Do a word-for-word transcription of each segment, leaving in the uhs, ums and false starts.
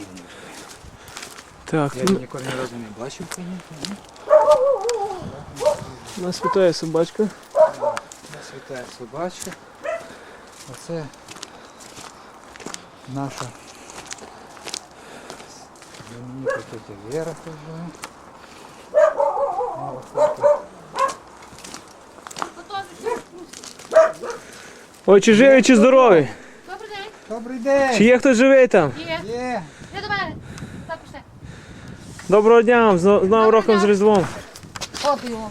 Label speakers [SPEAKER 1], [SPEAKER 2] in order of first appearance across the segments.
[SPEAKER 1] сильний.
[SPEAKER 2] Так,
[SPEAKER 1] Я
[SPEAKER 2] ну,
[SPEAKER 1] ніколи ні разу не бачив коні.
[SPEAKER 2] нас вітає собачка.
[SPEAKER 1] Нас вітає собачка. Оце наша знаменита тетя Вера тут живе. Ну, ось тут.
[SPEAKER 2] Ой, чи живий, чи здоровий?
[SPEAKER 3] Добрий день.
[SPEAKER 1] Добрий день!
[SPEAKER 2] Чи є хтось живий там?
[SPEAKER 3] Є.
[SPEAKER 1] Є!
[SPEAKER 3] Не до мене. Так, пішли.
[SPEAKER 2] Доброго дня вам, з Новим
[SPEAKER 3] Доброго
[SPEAKER 2] роком, з
[SPEAKER 3] дня.
[SPEAKER 2] Різдвом.
[SPEAKER 3] От його.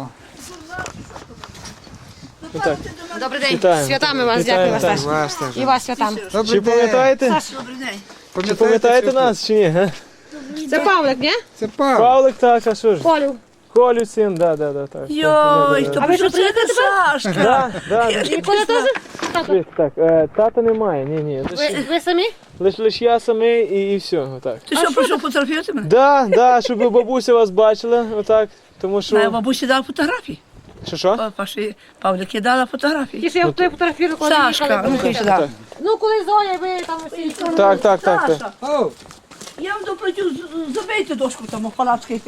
[SPEAKER 2] Отак.
[SPEAKER 3] Добрий день.
[SPEAKER 2] Вітаємо.
[SPEAKER 3] Святами вас,
[SPEAKER 2] Вітаємо,
[SPEAKER 3] дякую вас
[SPEAKER 2] так.
[SPEAKER 3] теж.
[SPEAKER 1] Вас теж.
[SPEAKER 3] І вас святами.
[SPEAKER 1] Добрий
[SPEAKER 2] Чи
[SPEAKER 1] день!
[SPEAKER 2] пам'ятаєте?
[SPEAKER 3] Добрий день.
[SPEAKER 2] Чи пам'ятаєте
[SPEAKER 1] цю
[SPEAKER 2] нас, чи ні? га?
[SPEAKER 3] Це Павлик, ні?
[SPEAKER 1] штуку? Це Павло.
[SPEAKER 2] Павлик, так, а що ж?
[SPEAKER 3] Колю.
[SPEAKER 2] Колю син, да, да, да, так.
[SPEAKER 4] Йой,
[SPEAKER 2] так,
[SPEAKER 4] то
[SPEAKER 2] да,
[SPEAKER 3] А ви що,
[SPEAKER 4] що це
[SPEAKER 3] приїдете
[SPEAKER 4] не Сашка?
[SPEAKER 2] да, да, да.
[SPEAKER 3] І Коля теж? Тато.
[SPEAKER 2] Так, е, тата немає, ні, ні. Лише
[SPEAKER 3] Ви, ви самі?
[SPEAKER 2] лиш, лиш я самий і, і все, отак.
[SPEAKER 4] Ти що, прийшов фотографувати мене?
[SPEAKER 2] Да, да, щоб бабуся вас бачила, отак, тому
[SPEAKER 4] Моя
[SPEAKER 2] що...
[SPEAKER 4] бабуся дала фотографії.
[SPEAKER 2] Що, що?
[SPEAKER 4] Па- Паші Павлики дала фотографії.
[SPEAKER 3] Ті, що я в той фотографію, коли
[SPEAKER 4] Сашка,
[SPEAKER 3] їхали.
[SPEAKER 4] ну-ка сюди.
[SPEAKER 3] Ну, коли Зоя, ви там всі.
[SPEAKER 2] Так, так, так, так.
[SPEAKER 4] Саша,
[SPEAKER 1] О,
[SPEAKER 4] я вам доплатю, з- забийте дошку там у палацькій.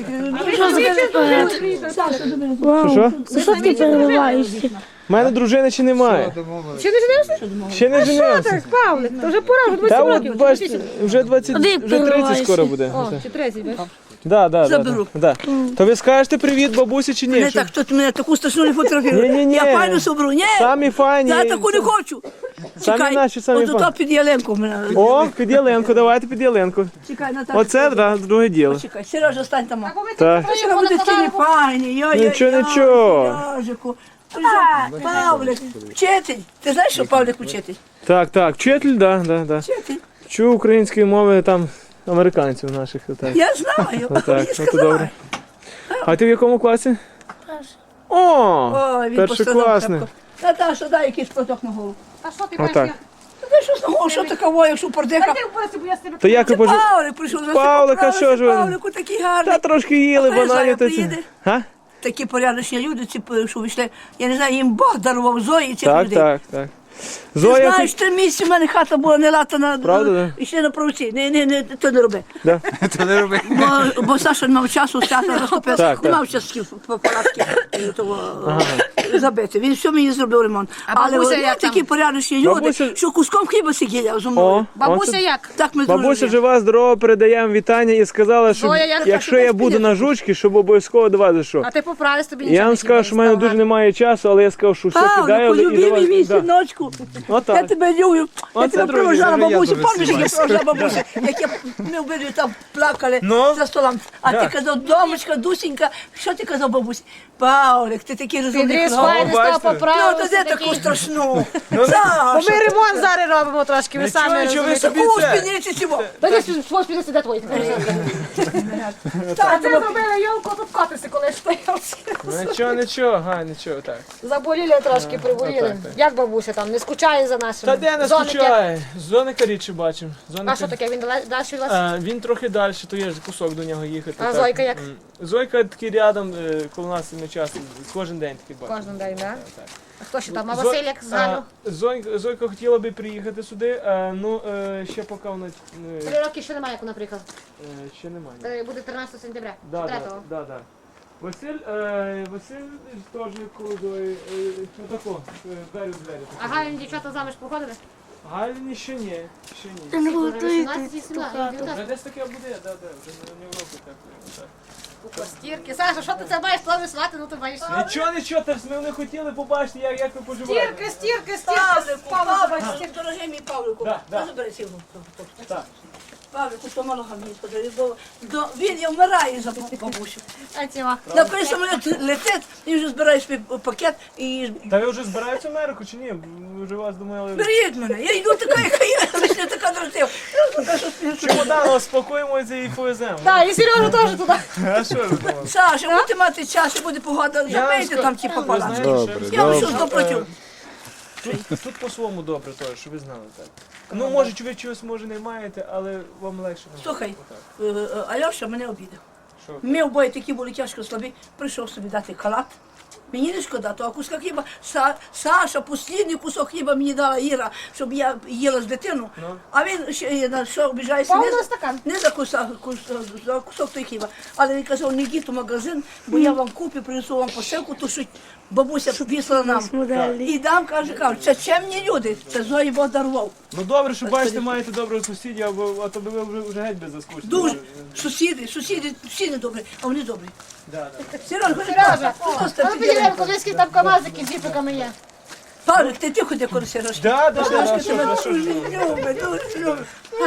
[SPEAKER 4] Саша, забери.
[SPEAKER 2] Що, що?
[SPEAKER 5] Що ти переливаєшся?
[SPEAKER 2] У мене дружини чи немає?
[SPEAKER 1] домовились.
[SPEAKER 3] Чи не женився?
[SPEAKER 2] Ще не женився.
[SPEAKER 3] Так, Павлик, то вже пора, вже
[SPEAKER 2] Та
[SPEAKER 3] двадцять
[SPEAKER 2] от,
[SPEAKER 3] років.
[SPEAKER 2] бачите, вже двадцять,
[SPEAKER 5] Куди
[SPEAKER 2] вже тридцять
[SPEAKER 5] перериваєшся?
[SPEAKER 2] скоро буде.
[SPEAKER 3] О, чи тридцять, бачиш?
[SPEAKER 2] Да, да, да,
[SPEAKER 4] Заберу.
[SPEAKER 2] да, да. То ви скажете привіт бабусі чи ні?
[SPEAKER 4] Не
[SPEAKER 2] Щоб-
[SPEAKER 4] так, хто мене таку страшну не фотографує.
[SPEAKER 2] Ні-ні-ні.
[SPEAKER 4] Я файну соберу. Ні,
[SPEAKER 2] Самі файні.
[SPEAKER 4] я таку не хочу.
[SPEAKER 2] Самі наші, самі
[SPEAKER 4] от
[SPEAKER 2] файні.
[SPEAKER 4] ото під ялинку в мене.
[SPEAKER 2] О, під ялинку, давайте під ялинку.
[SPEAKER 4] Чекай, Наташа.
[SPEAKER 2] Оце, да, друге діло.
[SPEAKER 4] Чекай, Сережа, стань там.
[SPEAKER 3] Або ви
[SPEAKER 2] Так.
[SPEAKER 3] так
[SPEAKER 4] Вчора буде такі не файні. Йой,
[SPEAKER 2] Нічого, нічого.
[SPEAKER 4] Сережику. Ти що, Павлик, вчитель. Ти знаєш, що Павлик вчитель?
[SPEAKER 2] Так, так, вчитель, да, да, да.
[SPEAKER 4] Вчитель.
[SPEAKER 2] Вчу української мови там американців наших. Отак.
[SPEAKER 4] Я знаю.
[SPEAKER 2] Отак,
[SPEAKER 4] Мені
[SPEAKER 2] от
[SPEAKER 4] сказали.
[SPEAKER 2] добре. А ти в якому класі? О,
[SPEAKER 4] Ой, він
[SPEAKER 2] першокласний.
[SPEAKER 4] постановив. Наташа, дай якийсь платок на голову.
[SPEAKER 3] А що ти
[SPEAKER 2] Отак.
[SPEAKER 3] бачиш?
[SPEAKER 4] Ти що з ногою, що такого, якщо пордиха?
[SPEAKER 3] Ти вбився, бо я з тебе...
[SPEAKER 2] То як ви
[SPEAKER 4] Це
[SPEAKER 2] пожив...
[SPEAKER 4] Павлик прийшов. ви
[SPEAKER 2] Павлик, а що ж ви?
[SPEAKER 4] Павлику такий гарний.
[SPEAKER 2] Та трошки їли
[SPEAKER 4] А коли
[SPEAKER 2] бананів.
[SPEAKER 4] Зоя
[SPEAKER 2] Та ці...
[SPEAKER 4] приїде?
[SPEAKER 2] Га?
[SPEAKER 4] Такі порядочні люди, ці, що вийшли. Я не знаю, їм Бог дарував Зої цих
[SPEAKER 2] Так,
[SPEAKER 4] людей.
[SPEAKER 2] так, так.
[SPEAKER 4] Ти
[SPEAKER 2] Зоя,
[SPEAKER 4] знаєш, три місяці в мене хата була не латана.
[SPEAKER 2] Правда, да?
[SPEAKER 4] І ще на провці. Не, не, не, то не роби.
[SPEAKER 2] да?
[SPEAKER 1] То не роби.
[SPEAKER 4] Бо, бо Саша не мав часу, свято розтопив.
[SPEAKER 2] Так,
[SPEAKER 4] Не
[SPEAKER 2] так.
[SPEAKER 4] мав часу по палатки того забити. Він все мені зробив ремонт. Але
[SPEAKER 3] бабуся
[SPEAKER 4] вони
[SPEAKER 3] як там?
[SPEAKER 4] такі порядочні люди,
[SPEAKER 2] Бабуся-
[SPEAKER 4] що куском хліба сиділи зо мною.
[SPEAKER 2] О,
[SPEAKER 3] Бабуся
[SPEAKER 2] оце-
[SPEAKER 3] як?
[SPEAKER 4] Так ми
[SPEAKER 2] Бабуся
[SPEAKER 4] дружили.
[SPEAKER 2] жива, здорова, передаємо вітання і сказала, що
[SPEAKER 3] Зоя, як
[SPEAKER 2] якщо
[SPEAKER 4] так,
[SPEAKER 2] я
[SPEAKER 4] так,
[SPEAKER 2] буду
[SPEAKER 4] так.
[SPEAKER 2] на жучки, щоб обов'язково до вас зайшов.
[SPEAKER 3] А ти поправився, тобі
[SPEAKER 2] Я
[SPEAKER 3] нічого
[SPEAKER 2] вам
[SPEAKER 3] не
[SPEAKER 2] скажу, що в мене дуже немає часу, але я сказав, що все кидаю
[SPEAKER 4] Павлику,
[SPEAKER 2] і до вас.
[SPEAKER 4] любимий мій
[SPEAKER 2] Да.
[SPEAKER 4] синочку. Я
[SPEAKER 2] Отак.
[SPEAKER 4] тебе люблю. Я
[SPEAKER 2] Оце,
[SPEAKER 4] тебе
[SPEAKER 2] друзі,
[SPEAKER 4] провожала
[SPEAKER 1] вже я
[SPEAKER 4] бабусю.
[SPEAKER 1] дуже
[SPEAKER 4] Пам'ятаєш, як я
[SPEAKER 1] сумаю.
[SPEAKER 4] провожала бабусю? Як я, ми обидві там плакали
[SPEAKER 2] Ну?
[SPEAKER 4] за столом. А
[SPEAKER 2] Да.
[SPEAKER 4] ти казав, домочка, Дусенька, що ти казав бабусі? Павлик, ти такий розумний
[SPEAKER 3] Підріз
[SPEAKER 4] хлопець.
[SPEAKER 3] файний
[SPEAKER 2] бачите?
[SPEAKER 3] став,
[SPEAKER 4] Ну,
[SPEAKER 3] поправився.
[SPEAKER 4] то де
[SPEAKER 3] такий.
[SPEAKER 4] таку страшну?
[SPEAKER 3] Бо
[SPEAKER 4] Саша,
[SPEAKER 3] ми ремонт зараз робимо трошки, ви
[SPEAKER 2] Нічого,
[SPEAKER 3] самі
[SPEAKER 2] нічого, ви
[SPEAKER 3] розумієте.
[SPEAKER 2] собі
[SPEAKER 4] таку
[SPEAKER 2] це.
[SPEAKER 4] спідниці цього.
[SPEAKER 3] Та десь свого спідниці, де твої? А це зробили йолку, тут котиси коли стояв.
[SPEAKER 2] Нічого, нічого, га, нічого, так.
[SPEAKER 3] Заболіли трошки, приболіли.
[SPEAKER 2] отак, так.
[SPEAKER 3] Як бабуся там, не скучає за нашим?
[SPEAKER 2] Та де не
[SPEAKER 3] Зоники?
[SPEAKER 2] скучає? Зоника рідше бачимо.
[SPEAKER 3] А
[SPEAKER 2] Зоника...
[SPEAKER 3] що таке, він далі від вас?
[SPEAKER 2] А, він трохи далі, то є ж кусок до нього їхати.
[SPEAKER 3] А
[SPEAKER 2] так.
[SPEAKER 3] Зойка як?
[SPEAKER 2] М. Зойка такий рядом, е, коло нас ми часто, кожен день такий бачимо.
[SPEAKER 3] Кожен день, так?
[SPEAKER 2] Так.
[SPEAKER 3] А хто ще там? А
[SPEAKER 2] Зо-
[SPEAKER 3] Василь як з Галю?
[SPEAKER 2] а, Зойка, Зойка хотіла би приїхати сюди, а, ну е, ще поки вона е,
[SPEAKER 3] Три роки ще немає, як вона приїхала.
[SPEAKER 2] е, ще немає.
[SPEAKER 3] Е, Буде тринадцятого сентября.
[SPEAKER 2] Да, да,
[SPEAKER 3] третього.
[SPEAKER 2] да, да. Василь, е, Василь теж коло Зої, е, ну тако, е, двері в двері.
[SPEAKER 3] А Галя дівчата заміж походили?
[SPEAKER 2] Галіні ще ні, ще ні.
[SPEAKER 5] Та не готуйте
[SPEAKER 3] вісімнадцять,
[SPEAKER 5] ту
[SPEAKER 3] вісімнадцять,
[SPEAKER 5] хату.
[SPEAKER 3] дев'ятнадцять.
[SPEAKER 2] Вже десь таке буде, да, да, вже не, не в року так. так.
[SPEAKER 3] У костірки. Саша, що ти це маєш плавати свати, ну ти боїшся.
[SPEAKER 2] Нічого, нічого, та ж ми не хотіли побачити, як, як ви поживаєте.
[SPEAKER 3] стірки,
[SPEAKER 4] Павлику, Павлику, дорогий мій Павлику.
[SPEAKER 2] Да, да.
[SPEAKER 4] Дуже бери цілу.
[SPEAKER 2] Так.
[SPEAKER 4] Павлику, помалого мені подарив, бо до- він я вмирає за бабусю.
[SPEAKER 3] А ціла.
[SPEAKER 4] Напевно, самоліт летить, і вже збираєш свій пакет і
[SPEAKER 2] Та ви вже збираєтеся в Америку чи ні? Ви вже вас думали.
[SPEAKER 4] беріть мене. Я йду така, яка є, лише не така дратива.
[SPEAKER 2] Чемодан, спокоїмося і повеземо.
[SPEAKER 3] Так, і Сережа теж туди.
[SPEAKER 2] А що ви думали?
[SPEAKER 4] Саша, будете мати час, і буде погода, забийте там ті
[SPEAKER 2] Ви
[SPEAKER 4] пополам.
[SPEAKER 2] знаєте, що-
[SPEAKER 4] Я вам щось доплатю.
[SPEAKER 2] Тут, тут по-своєму добре теж, щоб ви знали так. Ну, може, ви чогось може не маєте, але вам легше. не
[SPEAKER 4] Слухай,
[SPEAKER 2] Отак.
[SPEAKER 4] е, е, Альоша мене обідав.
[SPEAKER 2] Що?
[SPEAKER 4] Ми обоє такі були тяжко слабі, прийшов собі дати халат. Мені не шкода, того куска хліба. Са, Саша, послідний кусок хліба мені дала Іра, щоб я їла з дитину.
[SPEAKER 2] Ну.
[SPEAKER 4] А він ще е, на що обіжається не,
[SPEAKER 3] Повний
[SPEAKER 4] за-
[SPEAKER 3] стакан.
[SPEAKER 4] не за кусок, кус, за кусок той хліба. Але він казав, не йдіть у магазин, бо я вам куплю, принесу вам посилку, ту, що бабуся вісла нам. І дам, каже, каже, це чемні люди, це Зої Бог дарував.
[SPEAKER 2] Ну добре, що бачите, маєте доброго сусідів, або а то би ви вже, вже геть би заскучили.
[SPEAKER 4] Дуже. Сусіди, сусіди, всі не добрі, а вони добрі.
[SPEAKER 2] Да, да.
[SPEAKER 4] Сережа,
[SPEAKER 3] Сережа,
[SPEAKER 4] просто
[SPEAKER 3] а ну підійдемо, коли скільки там камазики з зіпиками є.
[SPEAKER 4] Павлик, ти тихо де коли Сережа.
[SPEAKER 2] Да, да, да, да,
[SPEAKER 4] Сережка
[SPEAKER 2] що,
[SPEAKER 4] тебе
[SPEAKER 2] да, що,
[SPEAKER 4] дуже
[SPEAKER 2] що.
[SPEAKER 4] любить, дуже любить.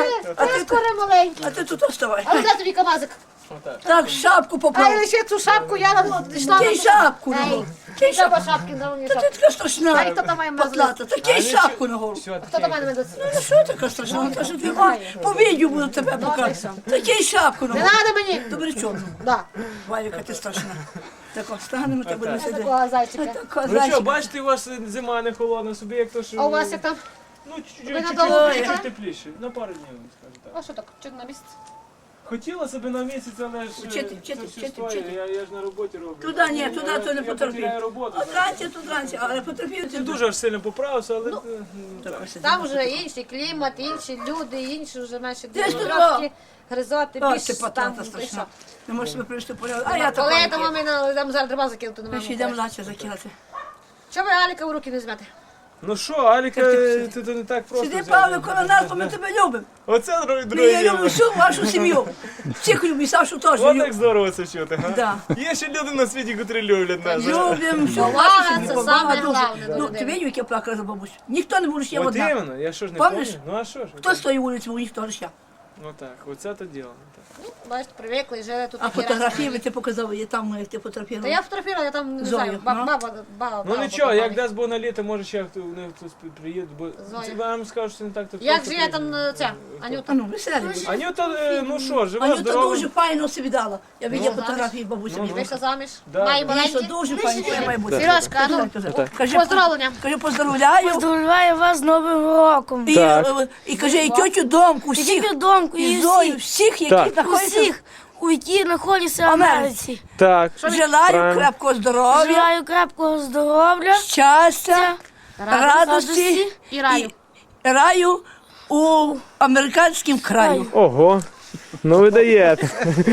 [SPEAKER 3] А ти скоро маленький.
[SPEAKER 4] А ти тут оставай.
[SPEAKER 3] А ну де тобі камазик?
[SPEAKER 2] Отак.
[SPEAKER 4] Так, шапку
[SPEAKER 3] А
[SPEAKER 4] поправ.
[SPEAKER 3] я ще цю шапку я нам йшла.
[SPEAKER 4] Кинь шапку на
[SPEAKER 3] Ей,
[SPEAKER 4] голову. Кинь шапку.
[SPEAKER 3] треба шапки на мені
[SPEAKER 4] Та ти
[SPEAKER 3] шапку.
[SPEAKER 4] така страшна.
[SPEAKER 3] Ай, хто там має
[SPEAKER 4] Потлата. Та кинь шапку на голову.
[SPEAKER 2] Все,
[SPEAKER 3] Хто до мене веде?
[SPEAKER 4] Ну що така страшна? Та що ти ма- по відео буду тебе показувати. Та кинь шапку на
[SPEAKER 3] Не
[SPEAKER 4] голову.
[SPEAKER 3] треба мені.
[SPEAKER 4] Добре, чорну.
[SPEAKER 3] Да.
[SPEAKER 4] Валіка, ти страшна. Так, от, станемо, та будемо сидіти.
[SPEAKER 3] Такого зайчика.
[SPEAKER 4] Така
[SPEAKER 2] Ну що,
[SPEAKER 4] зайчика.
[SPEAKER 2] бачите, у вас зима не холодна, собі як то, що...
[SPEAKER 3] А у вас як там?
[SPEAKER 2] Ну, чуть-чуть,
[SPEAKER 3] Ви
[SPEAKER 2] чуть-чуть,
[SPEAKER 3] надовго
[SPEAKER 2] чуть-чуть
[SPEAKER 3] приїхали?
[SPEAKER 2] тепліше. На пару днів, скажу так.
[SPEAKER 3] А що так? Чого на місяць?
[SPEAKER 2] Хотіла себе на місяць, але ж е,
[SPEAKER 4] Вчити, вчити,
[SPEAKER 2] це все
[SPEAKER 4] вчити,
[SPEAKER 2] стоїть.
[SPEAKER 4] вчити.
[SPEAKER 2] Я, я ж на роботі роблю.
[SPEAKER 4] Туди ні,
[SPEAKER 2] Я-
[SPEAKER 4] туди
[SPEAKER 2] я-
[SPEAKER 4] то не
[SPEAKER 2] я
[SPEAKER 4] потерпів.
[SPEAKER 2] потеряю роботу.
[SPEAKER 4] От ранці, тут ранці, але потерпів
[SPEAKER 2] Не
[SPEAKER 4] ти
[SPEAKER 2] дуже аж сильно поправився, але... е, ну,
[SPEAKER 4] Так,
[SPEAKER 2] так.
[SPEAKER 4] ось сидимо.
[SPEAKER 3] Там вже інший клімат, інші люди, інші вже менше
[SPEAKER 4] Де ж тут
[SPEAKER 3] демографії, гризоти,
[SPEAKER 4] Ой,
[SPEAKER 3] більш
[SPEAKER 4] ти
[SPEAKER 3] там.
[SPEAKER 4] потлата
[SPEAKER 3] і
[SPEAKER 4] страшна.
[SPEAKER 3] що.
[SPEAKER 4] Не можеш себе привести в порядок. А я
[SPEAKER 3] Коли
[SPEAKER 4] така.
[SPEAKER 3] там мамі на- там зараз треба закинути на
[SPEAKER 4] Ми
[SPEAKER 3] маму.
[SPEAKER 4] ще йдемо лаче закидати.
[SPEAKER 3] Чого ви Аліка в руки не візьмете?
[SPEAKER 2] Ну що, Аліка,
[SPEAKER 4] Ти-
[SPEAKER 2] це то не так просто.
[SPEAKER 4] Сиди,
[SPEAKER 2] взяти.
[SPEAKER 4] Павло, коло нас, бо ми тебе любимо.
[SPEAKER 2] Оце друге
[SPEAKER 4] Ми
[SPEAKER 2] друге.
[SPEAKER 4] я люблю всю вашу сім'ю. Всіх люблю, і Сашу теж
[SPEAKER 2] От
[SPEAKER 4] люблю.
[SPEAKER 2] як здорово це чути, га?
[SPEAKER 4] Да.
[SPEAKER 2] Є ще люди на світі, котрі люблять нас.
[SPEAKER 4] Любимо всю
[SPEAKER 3] Повага
[SPEAKER 4] вашу
[SPEAKER 3] це
[SPEAKER 4] сім'ю. Повага
[SPEAKER 3] саме
[SPEAKER 4] дуже.
[SPEAKER 3] головне до
[SPEAKER 4] Ну,
[SPEAKER 3] людей.
[SPEAKER 4] ти бачив, як я плакала за бабусю? Ніхто не буде, я
[SPEAKER 2] От
[SPEAKER 4] одна.
[SPEAKER 2] іменно, я що ж не
[SPEAKER 4] Помниш?
[SPEAKER 2] пам'ятаю? Ну а що ж?
[SPEAKER 4] Хто з тої вулиці був, ніхто ж я.
[SPEAKER 2] Ну так, оце то діло. Так.
[SPEAKER 3] Бачите, привикли, жили тут
[SPEAKER 4] А
[SPEAKER 3] такі
[SPEAKER 4] фотографії
[SPEAKER 3] разні.
[SPEAKER 4] ти показав, я там, як ти
[SPEAKER 3] Та
[SPEAKER 4] фотографував.
[SPEAKER 3] я фотографувала, я там не
[SPEAKER 4] Зою,
[SPEAKER 3] знаю, ба-
[SPEAKER 4] ну.
[SPEAKER 3] баба, баба.
[SPEAKER 2] Ну
[SPEAKER 3] баба
[SPEAKER 2] нічого, як
[SPEAKER 3] фотографувала.
[SPEAKER 2] дасть Бог на літо, може ще хто не хтось приїде, бо
[SPEAKER 3] Зоя.
[SPEAKER 2] це вам скажу, що не так то
[SPEAKER 3] Як
[SPEAKER 2] просто
[SPEAKER 3] же я
[SPEAKER 2] приїде.
[SPEAKER 3] там е, ця, Анюта?
[SPEAKER 4] А ну, веселі були.
[SPEAKER 2] Анюта, е, ну що, жива,
[SPEAKER 4] Анюта
[SPEAKER 2] здорова.
[SPEAKER 4] дуже файно собі дала. Я бачила
[SPEAKER 3] Ну,
[SPEAKER 4] фотографії бабусі.
[SPEAKER 2] Ну,
[SPEAKER 3] Вийшла заміж?
[SPEAKER 2] Да,
[SPEAKER 3] Має
[SPEAKER 2] да.
[SPEAKER 4] Дійсно,
[SPEAKER 3] маленькі?
[SPEAKER 4] дуже файно, що має бути.
[SPEAKER 3] Сережка, а ну,
[SPEAKER 4] Кажи,
[SPEAKER 3] поздоровлення.
[SPEAKER 4] кажи, поздравляю.
[SPEAKER 5] Поздравляю вас з Новим роком.
[SPEAKER 4] І, е, і кажи, і тьотю Домку,
[SPEAKER 5] І
[SPEAKER 4] всіх,
[SPEAKER 5] домку,
[SPEAKER 4] і
[SPEAKER 5] і
[SPEAKER 4] Зою,
[SPEAKER 5] всіх,
[SPEAKER 4] всіх, які
[SPEAKER 2] Так.
[SPEAKER 4] знаходяться.
[SPEAKER 5] усіх, у які знаходяться в Америці.
[SPEAKER 2] Так.
[SPEAKER 4] Желаю
[SPEAKER 2] Правильно.
[SPEAKER 4] крепкого здоров'я,
[SPEAKER 5] Желаю крепкого здоров'я,
[SPEAKER 4] щастя, радості
[SPEAKER 5] радості
[SPEAKER 3] І раю.
[SPEAKER 4] і раю у американському краю.
[SPEAKER 2] Ого. Ну ви даєте.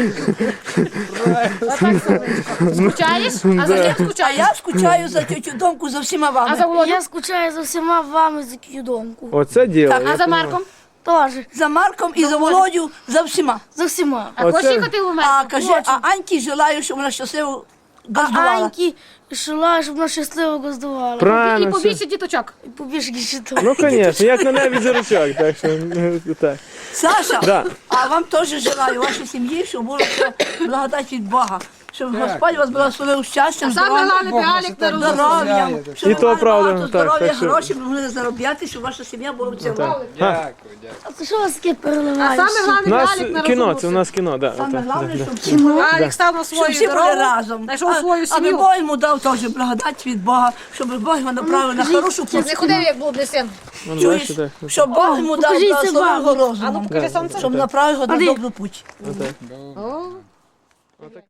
[SPEAKER 3] Отак, сонечко. Скучаєш? А за ким
[SPEAKER 4] А
[SPEAKER 3] скучаєш?
[SPEAKER 4] я скучаю за тьотю Домку, за всіма
[SPEAKER 3] А за
[SPEAKER 4] вами.
[SPEAKER 3] Володю?
[SPEAKER 5] Я скучаю за всіма вами за цю домку.
[SPEAKER 2] Оце діло.
[SPEAKER 4] Так,
[SPEAKER 3] А за Марком?
[SPEAKER 5] Теж,
[SPEAKER 4] За Марком і за Володю, за всіма.
[SPEAKER 5] за всіма.
[SPEAKER 3] А
[SPEAKER 2] Оце-
[SPEAKER 3] хочеш їхати в
[SPEAKER 4] А
[SPEAKER 3] мене?
[SPEAKER 4] кажи, а Аньки желаю, щоб вона щасливо
[SPEAKER 5] А
[SPEAKER 4] газдувала.
[SPEAKER 5] Аньки желаю, щоб вона щасливо газдувала.
[SPEAKER 3] І
[SPEAKER 2] Правильно. все.
[SPEAKER 3] побільше діточок.
[SPEAKER 5] І побільше дітей.
[SPEAKER 2] Ну, звісно, як на небі зірочок, так що ну, так.
[SPEAKER 4] Саша,
[SPEAKER 2] Да.
[SPEAKER 4] а вам теж желаю, вашій сім'ї, щоб було все благодать від Бога. Щоб Господь вас благословив щастям,
[SPEAKER 3] А саме
[SPEAKER 4] здоров'ям,
[SPEAKER 3] головне,
[SPEAKER 1] Бог
[SPEAKER 3] би
[SPEAKER 1] нас
[SPEAKER 3] Алік
[SPEAKER 1] і так
[SPEAKER 3] не
[SPEAKER 4] здоров'ям,
[SPEAKER 1] благословляє.
[SPEAKER 4] щоб
[SPEAKER 2] І
[SPEAKER 4] ви
[SPEAKER 2] то
[SPEAKER 4] мали
[SPEAKER 2] правда,
[SPEAKER 4] багато
[SPEAKER 2] так,
[SPEAKER 4] здоров'я,
[SPEAKER 2] так що-
[SPEAKER 4] гроші, ви могли заробляти, щоб ваша сім'я була в цілому.
[SPEAKER 1] Дякую, дякую.
[SPEAKER 5] А це що у вас таке
[SPEAKER 3] А
[SPEAKER 5] переливається?
[SPEAKER 3] саме головне,
[SPEAKER 2] У
[SPEAKER 3] би
[SPEAKER 2] нас
[SPEAKER 3] Алік не
[SPEAKER 2] кіно,
[SPEAKER 3] розумівся.
[SPEAKER 2] це у нас кіно, да.
[SPEAKER 4] Саме
[SPEAKER 2] отак.
[SPEAKER 4] головне, щоб всі були
[SPEAKER 3] Алік став на
[SPEAKER 4] щоб
[SPEAKER 3] свою
[SPEAKER 4] всі були
[SPEAKER 3] дорогу,
[SPEAKER 4] разом.
[SPEAKER 3] знайшов
[SPEAKER 4] А-
[SPEAKER 3] свою
[SPEAKER 4] Але
[SPEAKER 3] сім'ю.
[SPEAKER 4] Бог йому дав теж благодать від Бога, щоб Бог його направив на хорошу
[SPEAKER 3] Не
[SPEAKER 4] путь.
[SPEAKER 3] ходив, як блудний син.
[SPEAKER 2] Ну,
[SPEAKER 4] Чуєш?
[SPEAKER 2] бачите, так.
[SPEAKER 4] Щоб Бог йому дав
[SPEAKER 5] покажіть це
[SPEAKER 4] благословеного
[SPEAKER 5] вам.
[SPEAKER 3] А ну
[SPEAKER 4] розуму,
[SPEAKER 3] покажи сонце.
[SPEAKER 4] щоб направив його на
[SPEAKER 5] Андрій.
[SPEAKER 4] добру путь.
[SPEAKER 3] О.
[SPEAKER 2] Отак.